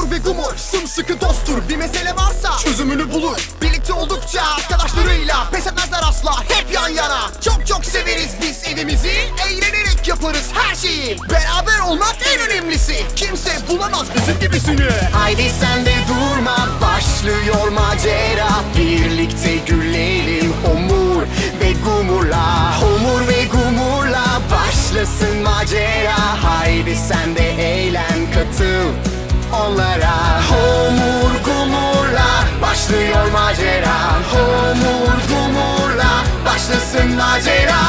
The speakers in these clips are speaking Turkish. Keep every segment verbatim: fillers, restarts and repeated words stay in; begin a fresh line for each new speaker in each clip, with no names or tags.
Homur ve Gumur sımsıkı dosttur. Bir mesele varsa çözümünü bulur. Birlikte oldukça arkadaşlarıyla pes etmezler asla, hep yan yana. Çok çok severiz biz evimizi, eğlenerek yaparız her şeyi. Beraber olmak en önemlisi, kimse bulamaz bizim gibisini. Haydi sen de durma, başlıyor macera. Birlikte gülelim Homur ve Gumur'la. Homur ve Gumur'la başlasın macera. Haydi sen de eğlen, katıl onlara. Homur Gumur'la başlıyor macera. Homur Gumur'la başlasın macera.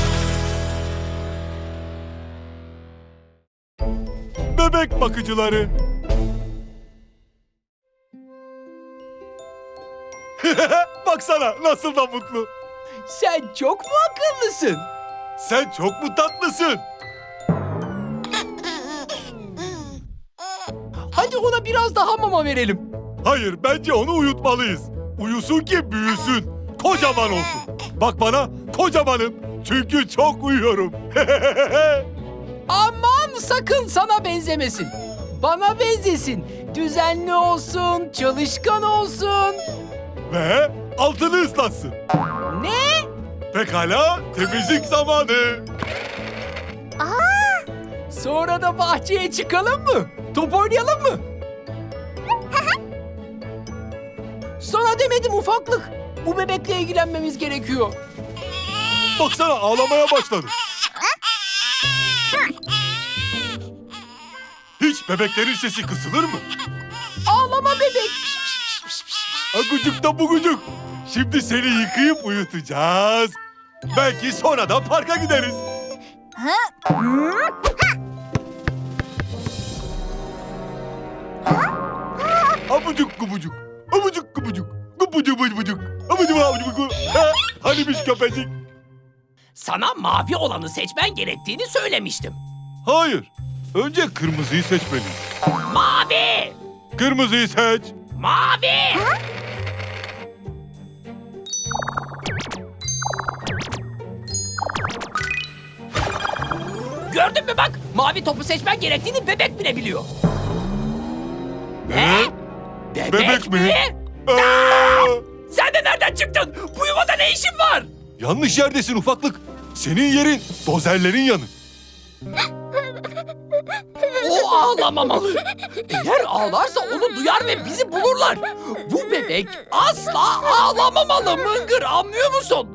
Bebek bakıcıları. Baksana nasıl da mutlu.
Sen çok mu akıllısın?
Sen çok mu tatlısın?
Hadi ona biraz daha mama verelim.
Hayır, bence onu uyutmalıyız. Uyusun ki büyüsün. Kocaman olsun. Bak bana, kocamanım. Çünkü çok uyuyorum.
Aman sakın sana benzemesin. Bana benzesin. Düzenli olsun, çalışkan olsun.
Ve altını ıslatsın.
Ne?
Pekala, temizlik zamanı.
Sonra da bahçeye çıkalım mı? Top oynayalım mı? Sana demedim ufaklık. Bu bebekle ilgilenmemiz gerekiyor.
Baksana ağlamaya başladı. Hiç bebeklerin sesi kısılır mı?
Ağlama bebek.
Agucuk da bugucuk. Şimdi seni yıkayıp uyutacağız. Belki sonra da parka gideriz. Abucuk gubucuk. Abucuk gubucuk. Gubucuk bucuk. Abucuk abucuk gubucuk. Ha, hanimiş köpecik?
Sana mavi olanı seçmen gerektiğini söylemiştim.
Hayır. Önce kırmızıyı seçmeliyim.
Mavi!
Kırmızıyı seç.
Mavi! Gördün mü bak? Mavi topu seçmen gerektiğini bebek bile biliyor.
Ne?
Bebek,
Bebek mi?
mi?
Aa!
Sen de nereden çıktın? Bu yuvada ne işin var?
Yanlış yerdesin ufaklık. Senin yerin dozerlerin yanı.
O ağlamamalı. Eğer ağlarsa onu duyar ve bizi bulurlar. Bu bebek asla ağlamamalı Mıngır, anlıyor musun?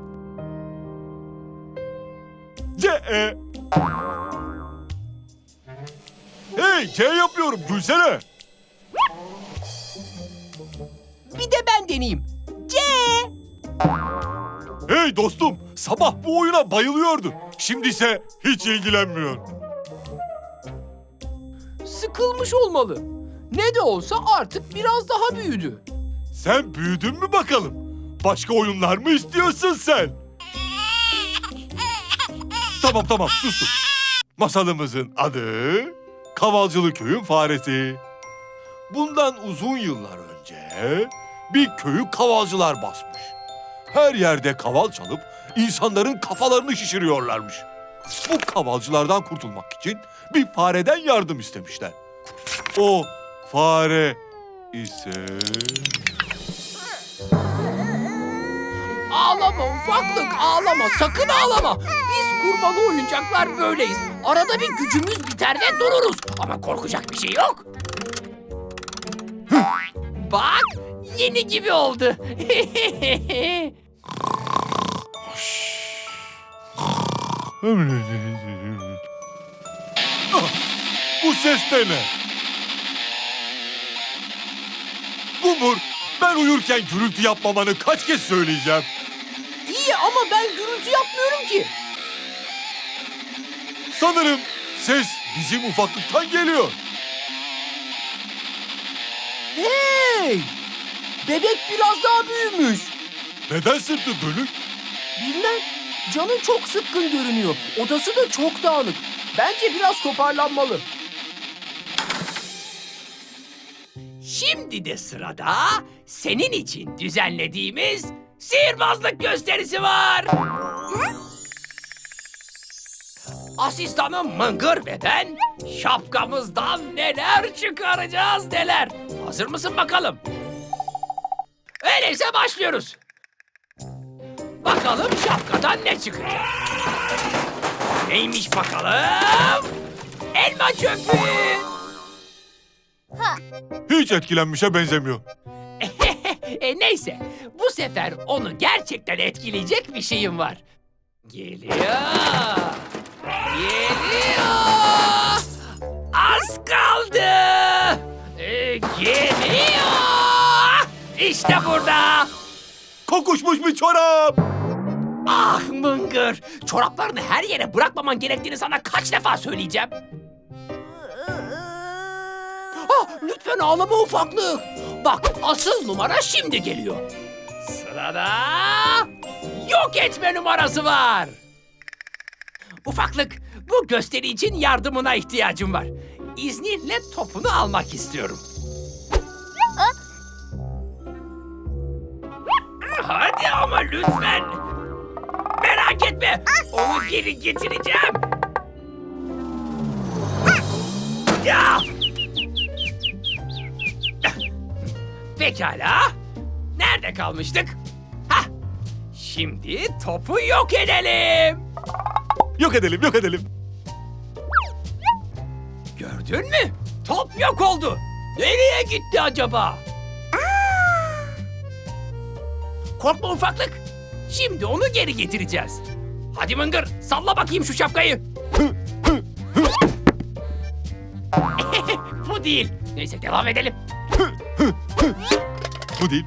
C E. Hey, C yapıyorum. Gülsene.
Bir de ben deneyeyim. C.
Hey dostum, sabah bu oyuna bayılıyordu. Şimdi ise hiç ilgilenmiyor.
Sıkılmış olmalı. Ne de olsa artık biraz daha büyüdü.
Sen büyüdün mü bakalım? Başka oyunlar mı istiyorsun sen? Tamam tamam sustum. Masalımızın adı Kavalcılı Köyün Faresi. Bundan uzun yıllar önce bir köyü kavalcılar basmış. Her yerde kaval çalıp insanların kafalarını şişiriyorlarmış. Bu kavalcılardan kurtulmak için bir fareden yardım istemişler. O fare ise...
Ağlama ufaklık, ağlama, sakın ağlama. Biz kurbalı oyuncaklar böyleyiz. Arada bir gücümüz biter ve dururuz.
Ama korkacak bir şey yok. Bak, yeni gibi oldu.
Ah, bu ses de ne? Gumur, ben uyurken gürültü yapmamanı kaç kez söyleyeceğim?
İyi ama ben gürültü yapmıyorum ki.
Sanırım ses bizim ufaklıktan geliyor.
Hey! Bebek biraz daha büyümüş.
Neden sırtı dönük?
Bilmem. Canı çok sıkkın görünüyor. Odası da çok dağınık. Bence biraz toparlanmalı.
Şimdi de sırada senin için düzenlediğimiz sihirbazlık gösterisi var.
asistanım Mıngır ve ben şapkamızdan neler çıkaracağız neler. Hazır mısın bakalım? Öyleyse başlıyoruz. Bakalım şapkadan ne çıkacak? Neymiş bakalım? Elma çöpü.
Hiç etkilenmişe benzemiyor.
e neyse, bu sefer onu gerçekten etkileyecek bir şeyim var. Geliyor. Geliyor. Az kaldı. Ee, geliyor. İşte burada.
Kokuşmuş bir çorap.
Ah Mıngır, çoraplarını her yere bırakmaman gerektiğini sana kaç defa söyleyeceğim. Ah, lütfen ağlama ufaklık. Bak, asıl numara şimdi geliyor. Sırada yok etme numarası var. Ufaklık, bu gösteri için yardımına ihtiyacım var. İzninle topunu almak istiyorum. Hadi ama lütfen. Merak etme, onu geri getireceğim. Ya! Pekala. Nerede kalmıştık? Hah! Şimdi topu yok edelim.
Yok edelim, yok edelim.
Gördün mü? Top yok oldu. Nereye gitti acaba? Korkma ufaklık. Şimdi onu geri getireceğiz. Hadi Mıngır, salla bakayım şu şapkayı. Bu değil. Neyse devam edelim.
Bu değil.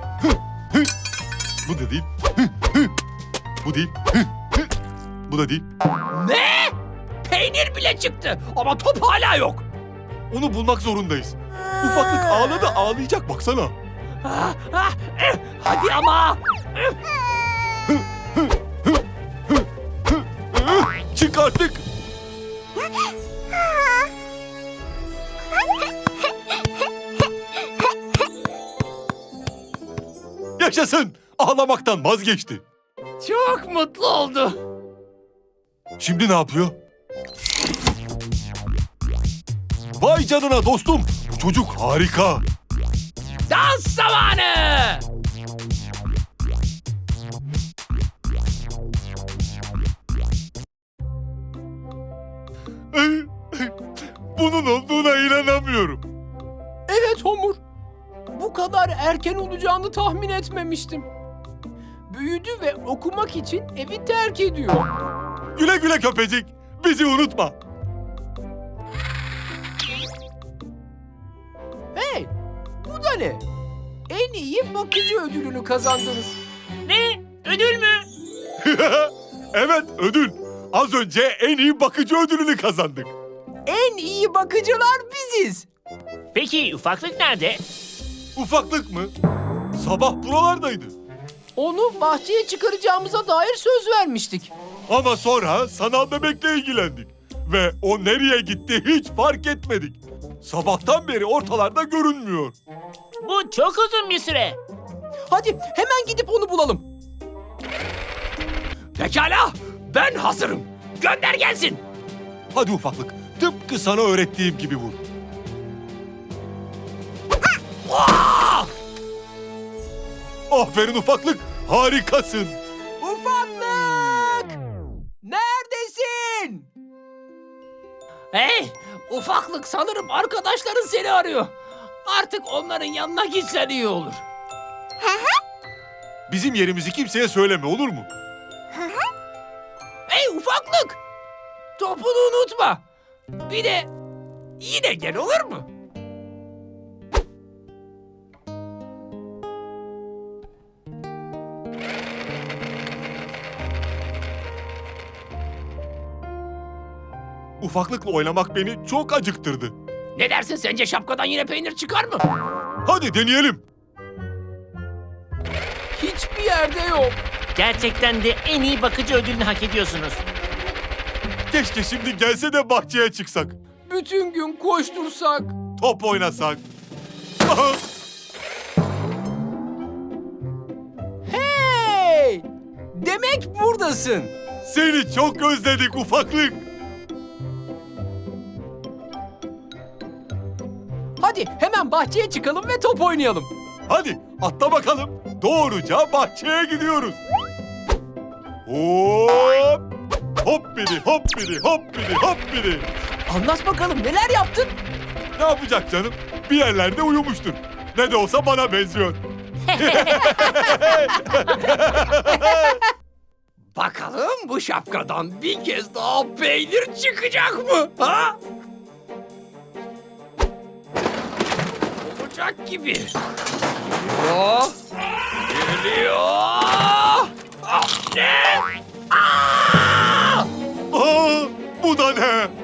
Bu da değil. Bu değil. Bu da değil.
Ne? Peynir bile çıktı ama top hala yok.
Onu bulmak zorundayız. Ufaklık ağladı, ağlayacak baksana.
Ah, ah, eh, hadi ama. Eh,
Çık artık. Yaşasın. Ağlamaktan vazgeçti.
Çok mutlu oldu.
Şimdi ne yapıyor? Vay canına dostum. Bu çocuk harika.
Dans zamanı.
Bunun olduğuna inanamıyorum.
Evet Homur. Bu kadar erken olacağını tahmin etmemiştim. Büyüdü ve okumak için evi terk ediyor.
Güle güle köpecik. Bizi unutma.
Hey, bu da ne? En iyi bakıcı ödülünü kazandınız.
Ne? Ödül mü?
Evet, ödül. Az önce en iyi bakıcı ödülünü kazandık.
En iyi bakıcılar biziz.
Peki ufaklık nerede?
Ufaklık mı? Sabah buralardaydı.
Onu bahçeye çıkaracağımıza dair söz vermiştik.
Ama sonra sanal bebekle ilgilendik. Ve o nereye gitti hiç fark etmedik. Sabahtan beri ortalarda görünmüyor.
Bu çok uzun bir süre.
Hadi hemen gidip onu bulalım.
Pekala, ben hazırım. Gönder gelsin.
Hadi ufaklık, tıpkı sana öğrettiğim gibi vur.
Ah!
Aferin ufaklık, harikasın.
Ufaklık! Neredesin?
Hey, ufaklık sanırım arkadaşların seni arıyor. Artık onların yanına gitsen iyi olur.
Bizim yerimizi kimseye söyleme, olur mu?
Hey ufaklık! Topunu unutma. Bir de yine gel olur mu?
Ufaklıkla oynamak beni çok acıktırdı.
Ne dersin, sence şapkadan yine peynir çıkar mı?
Hadi deneyelim.
Hiçbir yerde yok.
Gerçekten de en iyi bakıcı ödülünü hak ediyorsunuz.
Keşke şimdi gelse de bahçeye çıksak.
Bütün gün koştursak.
Top oynasak.
Hey! Demek buradasın.
Seni çok özledik ufaklık.
Hadi hemen bahçeye çıkalım ve top oynayalım.
Hadi atla bakalım. Doğruca bahçeye gidiyoruz. Hop! Hop biri, hop biri, hop biri, hop biri.
Anlat bakalım neler yaptın?
Ne yapacak canım? Bir yerlerde uyumuştur. Ne de olsa bana benziyor.
Bakalım bu şapkadan bir kez daha peynir çıkacak mı? Ha? Olacak gibi. Geliyor. Geliyor. Ah, ne? Aa!
Aa, bu da ne?